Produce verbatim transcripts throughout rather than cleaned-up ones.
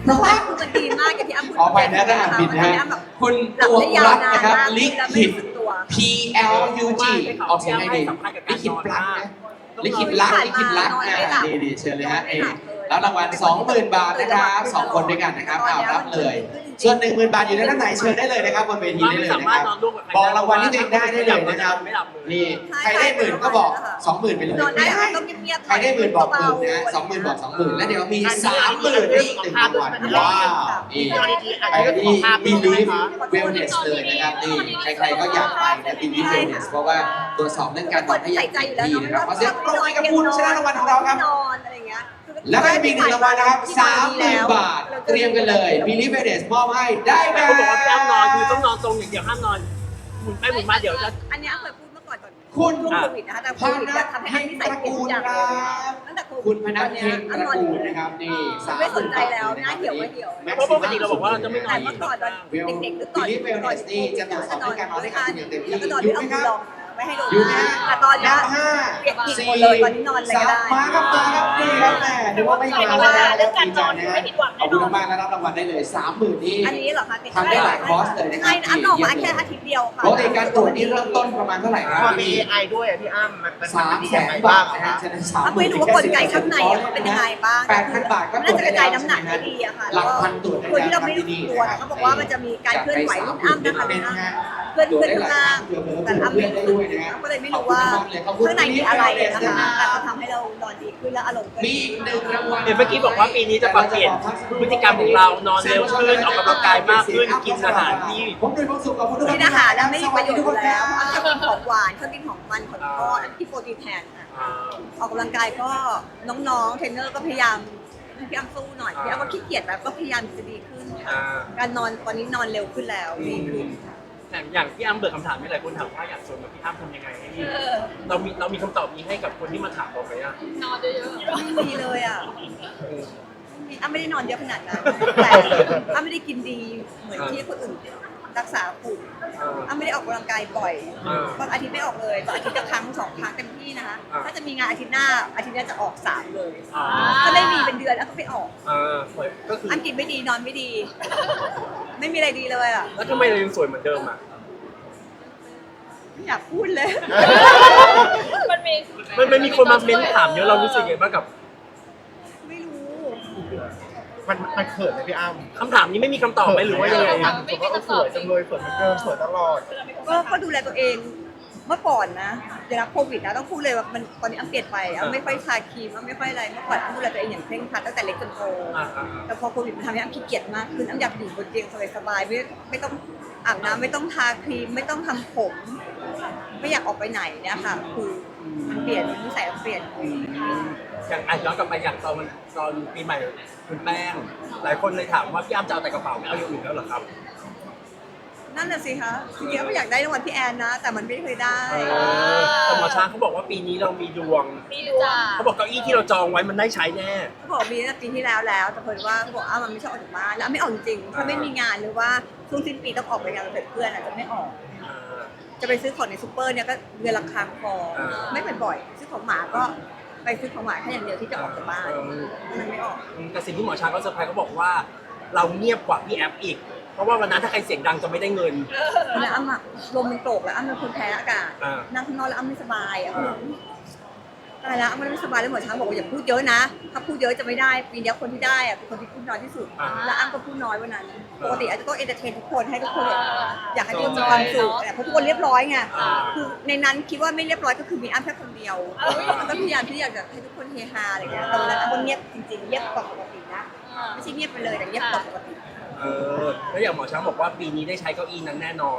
เพราะว่าคือมันดีมากอย่างที่อ้ำพูดขอไปนะถ้าอ่านผิดนะฮะคุณตัวรักนะครับลิขิต P L U G ออกเสียงไงดีลิขิตปลั๊กนะลิขิตรักลิขิตรักอ่าดีดีเชิญเลยฮะเอแล้วรางวัล สองหมื่น บาทนะครับสองคนด้วยกันนะครับเอารับเลย ส่วน หนึ่งหมื่น บาทอยู่ในด้านไหนเชิญได้เลยนะครับบนเวทีได้เลยนะครับบอกรางวัลที่ตัวเองได้ได้เลยนะครับนี่ใครได้หมื่นก็บอก สองหมื่น ไปเลยนอนได้ไม่ได้ต้องเงียบๆใครได้หมื่นบอกหมื่นนะสองหมื่นบอกสองหมื่นแล้วเดี๋ยวมีสามหมื่นอีกหนึ่งรางวัลว้าวนี่ไปที่ Believe Wellness เลยนะครับนี่ใครๆก็อยากไปนะ Believe Wellness เพราะว่าตรวจสอบเรื่องการนอนให้อย่างดีนะครับขอเสียงปรบมือให้กับคุณชนะรางวัลของเราครับนอนอะไรอย่างเงี้ยแล้วก็จะมีหนึ่งรางวัลนะครับ สามหมื่น บาท เตรียมกันเลย Believe Wellness มอบให้ได้ไหมแต่เขาบอกว่าพี่อ้ำนอนคือต้องนอนตรงอย่างเดียวห้ามนอนหมุนไปหมุนมาเดี๋ยวจะอันนี้เคยพูดเมื่อก่อนก่อนคุณช่วงโควิดนะคะแต่โคพวิดนัจะกทำให้เพ็อันงนี้ตใส่ระเปลี่ยนทุกอย่างเลยกูลครับตั้งแต่โควิดคุณพนักเพ็งตระกูลนะครับนี่สามไม่สนใจแล้วหน้าเหี่ยวไม่เหี่ยวเพราะปกติเราบอกว่าเราจะไม่นอแต่นเมื่อก่อนตอนเด็กๆหรือก่อน Believe Wellness นี่จะตรวจสอบเรื่องการนอนให้กับคุณอย่างเต็มที่แล้วก็นอนอยู่ไม่ไหมเอาคมืรัอบ ลองไม่ให้โดนอยู่ไหมฮะแต่ตอนนี้ห้าเปียกผิดสี่หมดเลยตอนนี้นอนอะไรก็ได้มาครับมาครับนี่ครับแม่นึกว่าไม่มาแล้วนะดีใจนะฮะขอบคุณมากๆนะรับรางวัลได้เลยสามหมื่นนี่อันนี้เหรอคะทำได้หลายคอร์สเลยนะครับใช่อันออกมาแค่อาทิตย์เดียวค่ะปกติการตรวจนี่เริ่มต้นประมาณเท่าไหร่ครับพอมี เอ ไอ ด้วยอ่ะพี่อ้ำมันมันสามดีแสยังนไงบาบ้าทงนะอะฮะคะฉะนั้นสามไม่รู้ว่ากลไกข้างในอะมันเป็นยังไงบ้างแปดพันบาทก็ตรน่าวจจะกได้ระแล้จายว น้ำหนักได้ดีอะค่ะหลักพันตรวจได้คนแล้วที่เราไม่รู้ที่นี่ตัวเขาบอกว่ามันจะมีการเคลื่อนไหวรุ่นอ้ำนะคะเคลื่อนตรวเคจลื่อนได้หข้าลายงครั้งล่างเผื่อแต่เผื่ออ้ำเพื่ไม่อนได้รู้ด้วยนะฮะก็เลยไม่รู้ว่าข้างในมีอะไรนะคะแต่ก็ทำให้เรานอนดีขึ้นและอารมณ์ก็มีดีอีกหนึ่งรางวัลเห็นเมื่อกี้บอกว่าปีนี้จะปรับเปลี่ยนพฤติกรรมของเรานอนเร็วขึ้นออกกำลังกายมากขึ้นกินอาหารที่ผมด้วยความสุขกับคุณทุกคนกินอาหารแล้วไม่มีประโยชน์อยู่แล้วอ้ำชอบกินของหวานชอบกินของมันของทอดกินโปรตีนแทนค่ะอ่าออกกำลังกายก็น้องๆเทรนเนอร์ก็พยายามให้พี่อ้ำสู้หน่อยพี่อ้ำก็ขี้เกียจแบบก็พยายามจะดีขึ้นค่ะอ่าการนอนตอนนี้นอนเร็วขึ้นแล้วดีขึ้นค่ะแต่อย่างพี่อ้ำเบิกคำถามนี่หลายคนถามว่าอยากชวนกับพี่อ้ำทำยังไงให้เรามีเรามีคำตอบนี้ให้กับคนที่มาถามเราไหมอ่ะไม่มีเลยอ่ะอ้ำไม่ได้นอนเยอะขนาดนั้นแต่อ้ำไม่ได้กินดีเหมือนที่คนอื่นรักษาฝุ่นอ้ำไม่ได้ออกกำลังกายบ่อยบางอาทิตย์ไม่ออกเลยบางอาทิตย์ละครั้งสองครั้งเต็มที่นะคะถ้าจะมีงานอาทิตย์หน้าอาทิตย์หน้าจะออกสามเลยอ่าถ้าไม่มีเป็นเดือนแล้วก็ไปออกอ่าก็คืออ้ำกินไม่ดีนอนไม่ดี ไม่มีอะไรดีเลยอ่ะแล้วทำไมเรายังสวยเหมือนเดิมอ่ะไม่อยากพูดเลยมันมีมันมันมีคนมาเม้นถามเยอะเรารู้สึกยังไงบ้างกับไม่รู้มันมันเขินไหมพี่อ้ำคำถามนี้ไม่มีคำตอบไหมหรือว่ายังไงมันผมว่าเออสวยจังเลยสวยเหมือนเดิมสวยตลอดก็ก็ดูแลตัวเองเมื่อก่อนนะเดี๋ยวรับโควิดนะต้องพูดเลยว่ามันตอนนี้อ้ำเปลี่ยนไปอ้ำไม่ค่อยทาครีมอ้ำไม่ค่อยอะไรเมื่อก่อนอ้ำดูแลตัวเองอย่างเคร่งครัดตั้งแต่เล็กจนโตอ่าอ่าแต่พอโควิดมันทำให้อ้ำขี้เกียจมากขึ้นอ้ำอยากอยู่บนเตียงสบายๆไม่ไม่ต้องอาบน้ำไม่ต้องทาครีมไม่ต้องทำผม ไม่อยากออกไปไหนเนี่ยค่ะ คือมันเปลี่ยนนิสัยมันเปลี่ยนอย่างอ่ะย้อนกลับไปอย่างตอนมันตอนปีใหม่คุณแป้ง หลายคนเลยถามว่าพี่อ้ำจะเอาแต่กระเป๋าไม่เอาอย่างอื่นแล้วเหรอครับนั่นน่ะสิคะจริงๆอ้ำอยากได้รางวัลพี่แอนนะ แต่มันไม่เคยได้เออแต่หมอช้างเขาบอกว่าปีนี้เรามีดวงมีจ้าเขาบอกเก้าอี้ที่เราจองไว้มันได้ใช้แน่เขาบอกมีตั้งแต่ปีที่แล้วแล้ว แต่เพิ่นว่าเขาบอกอ้าวมันไม่ชอบออกจากบ้านแล้วอ้ำไม่ออกจริงๆถ้าไม่มีงานหรือว่าช่วงสิ้นปีต้องออกไปงานกับเพื่อนอ่ะจะไม่ออกอ่าจะไปซื้อของในซูเปอร์เนี่ยก็เดือนละครั้งพออ่าไม่เป็นบ่อยซื้อของหมาก็ไปซื้อของหมาแค่อย่างเดียวที่จะออกจากบ้านเออมันไม่ออกแต่สิ่งที่หมอช้างเขาเซอร์ไพรส์เขาบอกว่า เราเงียบกว่าพี่แอฟอีก เพราะว่าวันนั้นถ้าใครเสียงดังจะไม่ได้เงินแล้วอ้ำอะลมมันโกรกแล้วอ้ำเป็นคนแพ้อากาศอ่านั่งข้างนอกแล้วอ้ำไม่สบายอ่ะตายแล้วอ้ำไม่สบายแล้วหมอช้างบอกว่าอย่าพูดเยอะนะถ้าพูดเยอะจะไม่ได้ปีนี้คนที่ได้อะเป็นคนที่พูดน้อยที่สุดอ่าแล้วอ้ำก็พูดน้อยวันนั้นปกติอาจจะต้องเอนเตอร์เทนทุกคนให้ทุกคนแบบอยากให้ทุกคนมีความสุขแต่เพราะทุกคนเรียบร้อยไงคือในนั้นคิดว่าไม่เรียบร้อยก็คือมีอ้ำแค่คนเดียวมันก็พยายามที่อยากจะให้ทุกคนเฮฮาอะไรเงี้ยแต่วันนั้นอ้ำก็เงียบจริงๆเงียบกว่าปกตินะไม่ใช่เงียบไปเลยแต่เงียบกว่าปกติเออแล้วอย่างหมอช้างบอกว่าปีนี้ได้ใช้เก้าอี้นั้นแน่นอน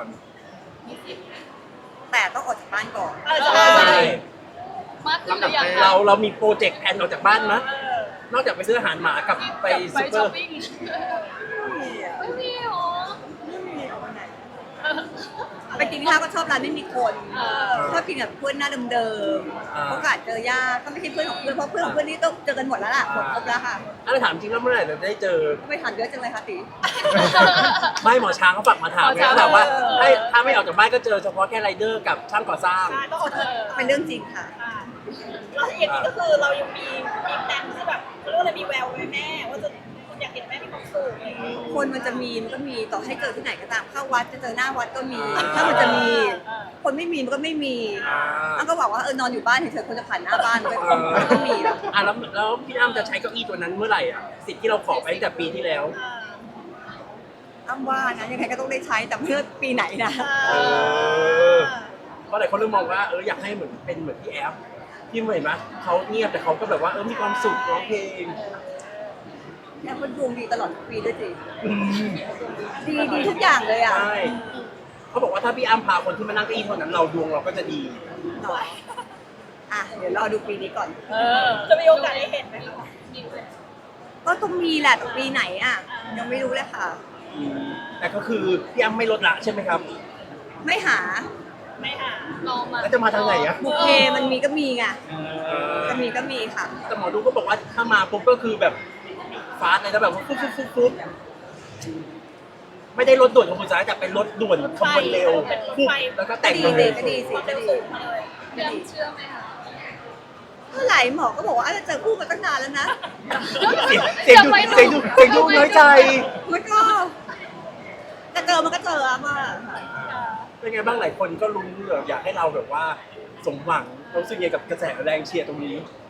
แต่ต้องออกจากบ้านก่อนเออใช่มากขึ้นหรือยังเราเรามีโปรเจกต์แผนออกจากบ้านไหมนอกจากไปซื้ออาหารหมากับไปไปซูเปอช้อปร์ปิ้งไม่มีอะไม่มีหรอไม่มีออกไปไหนไปกินข้าวก็ชอบร้านไม่มีคนชอบกินกับเพื่อนหน้าเดิมๆโอกาสเจอยากก็ไม่ใช่เพื่อนของเพื่อนเพราะเพื่อนของเพื่อนนี่ต้องเจอกันหมดแล้วล่ะหมดครบแล้วค่ะอันนี้ถามจริงแล้วเมื่อไหร่เราจะได้เจอก็ไปถามเยอะจังเลยค่ะตีไม่หมอช้างเขาฝากมาถามไงเขาถามว่าให้ถ้าไม่ออกจากบ้านก็เจอเฉพาะแค่ไรเดอร์กับช่างก่อสร้างต้องอดทนเป็นเรื่องจริงค่ะแล้วอย่างนี้ก็คือเรายังมีมีแผนที่แบบเขาเรียกว่าอะไรมีแววไว้แม่ว่าจะคุณอยากเห็นแม่มีความสุขสูงคนมันจะมีมันก็มีต่อให้เจอที่ไหนก็ตามเข้าวัดจะเจอหน้าวัดก็มี ถ้ามันจะมี คนไม่มีมันก็ไม่มีอ้ำก็บอกว่าเออนอนอยู่บ้านเฉยๆคนจะผ่านหน้าบ้านก็มันก็มีแล้วอ่ะแล้วแล้วพี่อ้ำจะใช้เก้าอี้ตัวนั้นเมื่อไหร่อ่ะสิทธิ์ที่เราขอไปตั้งแต่ปีที่แล้วอ้ำว่านะยังไงก็ต้องได้ใช้แต่เพื่อปีไหนนะเพราะหลายคนเริ่มมองว่าเอออยากให้เหมือนเป็นเหมือนพี่แอฟที่เห็นไหมเขาเงียบแต่เขาก็แบบว่าเออมีความสุขร้องเพลงแอมก็ดวงดีตลอดทุกปีด้วยสิดีดีทุกอย่างเลยอ่ะใช่เขาบอกว่าถ้าพี่อ้ำพาคนที่มานั่งเก้าอี้เท่านั้นเราดวงเราก็จะดีหน่อยอ่ะเดี๋ยวรอดูปีนี้ก่อนเออจะมีโอกาสได้เห็นไหมคะก็ต้องมีแหละแต่ปีไหนอ่ะยังไม่รู้เลยค่ะแต่ก็คือพี่อ้ำไม่ลดละใช่ไหมครับไม่หาไม่หาลองมาแล้วจะมาทางไหนอะบุพเพมันมีก็มีไงจะมีก็มีค่ะแต่หมอดูก็บอกว่าถ้ามาปุ๊บก็คือแบบฟาสต์เลยนะแบบว่าฟุ๊บฟุ๊บฟุ๊บฟุ๊บไม่ได้รถด่วนขบวนสายแต่เป็นรถด่วนขบวนเร็วปุ๊บแล้วก็ก็แต่งดีเลเลยยก็ดีสิก็ดีเรื่องเชื่อไหมคะเมื่อไหร่หมอก็บอกว่าอาจจะเจอคู่มาตั้งนานแล้วนะเสียงเสียงดูเสียงดูเสียงดูน้อยใจมันก็จะเจอมันก็เจออะมาเป็นไงบ้างหลายคนก็รู้แบบอยากให้เราแบบว่าสมหวังรู้สึกยังไงกับกระแสแรงเชียร์ตรงนี้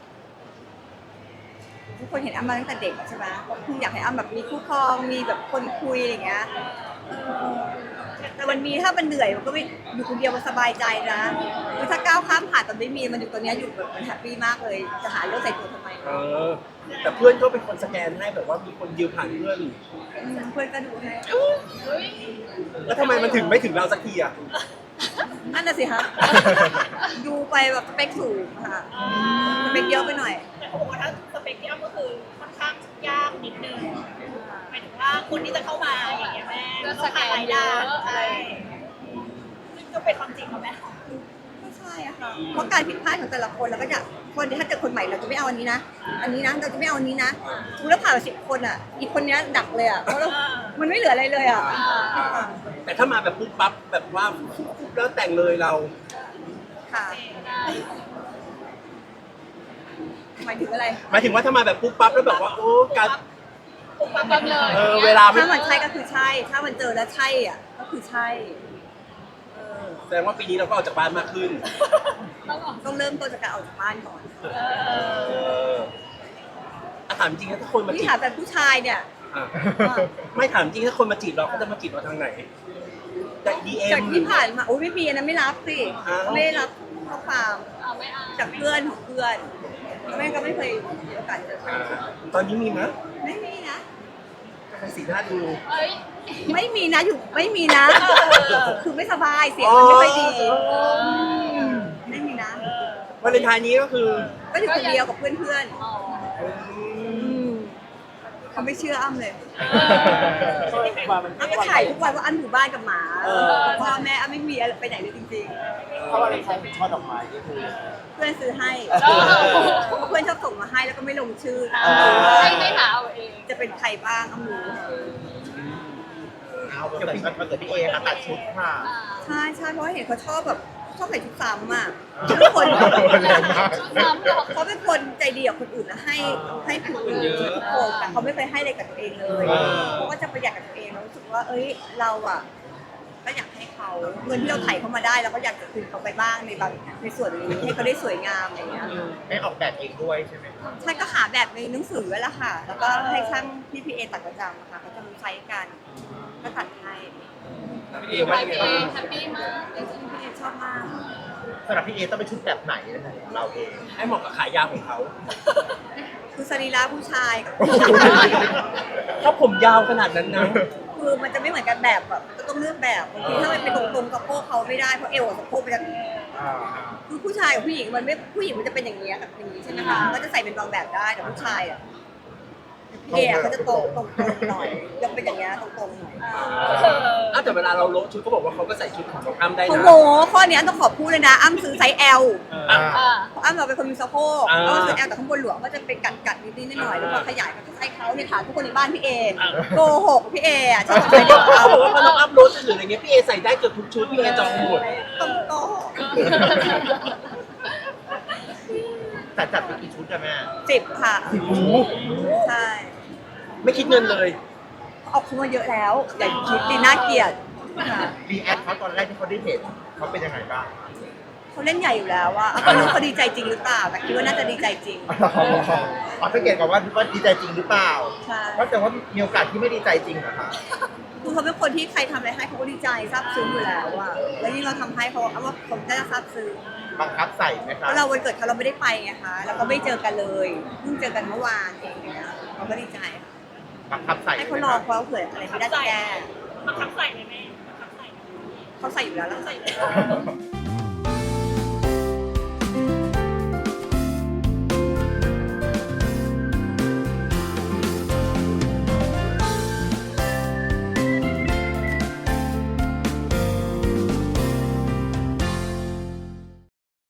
ทุกคนเห็นอ้ำมาตั้งแต่เด็กอะใช่ไหมก็คืออยากให้อ้ำแบบมีคู่ครองมีแบบคนคุยอะไรอย่างเงี้ยเออแต่มันมีถ้ามันเหนื่อยมันก็ไม่อยู่คนเดียวมันสบายใจนะคือถ้าก้าวข้ามผ่านตอนไม่มีมันอยู่ตอนเนี้ยอยู่แบบมันแฮปปี้มากเลยจะหาเรื่องใส่ตัวทำไมเออ แต่เพื่อนก็เป็นคนสแกนให้แบบว่ามีคนยืมผ่านเพื่อนอืมเพื่อนก็ดูให้แล้วทำไมมันถึงไม่ถึงเราสักทีอ่ะนั่นน่ะสิฮะ ดูไปแบบสเปคสูงค่ะสเปคเยอะไปหน่อยแต่เขาบอกว่าถ้าสเปคที่อ้ำก็คือค่อนข้างยากนิดนึงหมายถึงว่าคนที่จะเข้ามาอย่างเงี้ยแม่ต้องผ่านหลายด่านใช่ซึ่งก็เป็นความจริงของแม่ไม่ใช่อะค่ะ เพราะการผิดพลาดของแต่ละคนเราก็จะคนถ้าเจอคนใหม่เราจะไม่เอาอันนี้นะ อันนี้นะเราจะไม่เอาอันนี้นะสมมติเราผ่านสิบคนอ่ะ อีกคนเนี้ยดักเลยอ่ะ เพราะเรามันไม่เหลืออะไรเลยอ่ะแต่ถ้ามาแบบปุ๊บปั๊บแบบว่าปุ๊บปุ๊บแล้วแต่งเลยเราค่ะ หมายถึงอะไรหมายถึงว่าถ้ามาแบบปุ๊บปั๊บแล้วแบบว่าโอ้การปุ๊บปั๊บปั๊บเลยเออเวลาไม่ถ้ามันใช่ก็คือใช่ ถ้ามันเจอแล้วใช่อ่ะ ก็คือใช่ เออแสดงว่าปีนี้เราก็ออกจากบ้านมากขึ้นต้องเริ่มต้นจากการออกจากบ้านก่อนเอออ่ะถามจริงนะถ้าคนมาที่จีบถามแต่ผู้ชายเนี่ยอ่ะไม่ถามจริงถ้าคนมาจีบเราเขาจะมาจีบเราทางไหนจากดีเอ็มจากที่ผ่านมาโอ้ยไม่มีอันนั้นไม่รับสิอ้าวไม่ได้รับข้อความเอาไม่เอาจากเพื่อนของเพื่อนแม่ก็ไม่เคยมีโอกาสเจอใครตอนนี้มีไหมยไม่มีนะสีหน้าดูเอ้ยไม่มีนะอยู่ไม่มีนะ คือไม่สบายเสียงมันไม่ค่อยดีอ๋อไม่มีนะวาเลนไทน์นี้ก็คือก็อยู่คนเดียวกับเพื่อนเพื่อนอ๋อๆเขาไม่เชื่ออ้ำเลยมามันอ้ำก็ถ่ายทุกวันว่าอ้ำอยู่บ้านกับหมาพ่อแม่อ้ำไม่มีอะไรไปไหนเลยจริงเพราะว่าอะไรใช้เป็นช่อดอกไม้ก็คือๆ เพื่อนซื้อให้เพื่อนชอบส่งมาให้แล้วก็ไม่ลงชื่อให้ไม่หาเอาเองจะเป็นใครบ้างอ้ำรู้เอาแต่มันเกิดพี่เอค่ะตัดชุดค่ะใช่ใช่เพราะว่าเห็นเขาชอบแบบชอบใส่ชุดซ้ำอ่ะเขาเป็นคนแรงมากซ้ำหรอกเขาเป็นคนใจดีกับคนอื่นนะให้ให้คนอื่นทุกคนแต่เขาไม่เคยให้อะไรกับตัวเองเลยเขาก็จะประหยัดกับตัวเองแล้วรู้สึกว่า เอ้ยเราอ่ะก็อยากให้เขาเงินที่เราไถ่เขามาได้เราก็อยากจะคืนเขาไปบ้างในบางในส่วนนี้ให้เขาได้สวยงามอะไรอย่างเงี้ยไม่ออกแบบเองด้วยใช่ไหมใช่ก็หาแบบในหนังสือไว้แล้วค่ะ แล้วก็ให้ช่างพี่พีเอตัดประจำอะค่ะเขาจะรู้ใช้กันก็ตัดให้พี่เอว่ายังไงเอบ้างแฮปปี้มากจริงพี่เอชอบมากสำหรับพี่เอต้องเป็นชุดแบบไหนนะคะของเราเองให้เหมาะกับขายาวของเขาคือสรีระผู้ชายกับถ้าผมยาวขนาดนั้นนะคือมันจะไม่เหมือนกันแบบแบบก็ต้องเลือกแบบบางทีถ้ามันเป็นตรงๆกับโพกเขาไม่ได้เพราะเอวกับสะโพกมันจะคือผู้ชายกับผู้หญิงมันไม่ผู้หญิงมันจะเป็นอย่างนี้ยกับอย่างนี้ใช่ไหมคะก็จะใส่เป็นบางแบบได้แต่ผู้ชายอ่ะพี่เอเขาจะตรงตรงๆหน่อยยังเป็นอย่างเงี้ยตรงๆหน่อยอ้าวแต่เวลาเราโละชุดเขาบอกว่าเขาก็ใส่ชุดของน้องอ้ำได้โอ้นะโหข้อเนี้ยต้องขอบพูดเลยนะอ้ำซื้อไซส์ L อ่ะๆอ่าเพราะอ้ำเราเป็นคนมีสะโพกอ่าก็ซื้อ L แต่ข้างบนหลวงก็จะเป็นกัดกัดๆนิดๆหน่อยๆแล้วพอขยายก็ใส่เขาเนี่ยถามทุกคนในบ้านพี่เอโกหกพี่เออ่ะชอบใส่เด็กเขาบอกว่าพอน้องอ้ำโละชุดหรืออะไรเงี้ยพี่เอใส่ได้เกือบทุกชุดพี่เอจองหมดต้องโกหกแต่จัดไปกี่ชุดอะแม่สิบค่ะโอ้โหใช่ไม่คิดเงินเลยไออกเขามาเยอะแล้วอย่าคิดดีน่าเกลียดค่ะรีแอคเขาตอนแรกที่เขาได้เห็นเขาเป็นยังไงบ้างเขาเล่นใหญ่อยู่แล้วว่าไม่รู้เขาดีใจจริงหรือเปล่าแต่คิดว่าน่าจะดีใจจริงอ๋อสังเกตก่อนว่าว่าดีใจจริงหรือเปล่าใช่เพราะแต่ว่ามีโอกาสที่ไม่ดีใจจริงเหรอคะคือเขาเป็นคนที่ใครทำอะไรให้เขาก็ดีใจซาบซึ้งอยู่แล้วอะแล้วยิ่งเราทำให้เขาเอาว่าผมน่าจะซาบซึ้งบังคับใส่ไหมเพคะราะเราวันเกิดเขาเราไม่ได้ไปไงคะแล้วก็ไม่เจอกันเลยเพิ่งเจอกันเมื่อวานเองเนี่ยเขาก็ดีใจบังคับใส่ให้เขารอเพราะเผื่ออะไรไม่ได้จะแก้บังคับใส่ไหมแม่บังคับใส่เขาใส่อยู่แล้วแล้วใส่ใส่เลย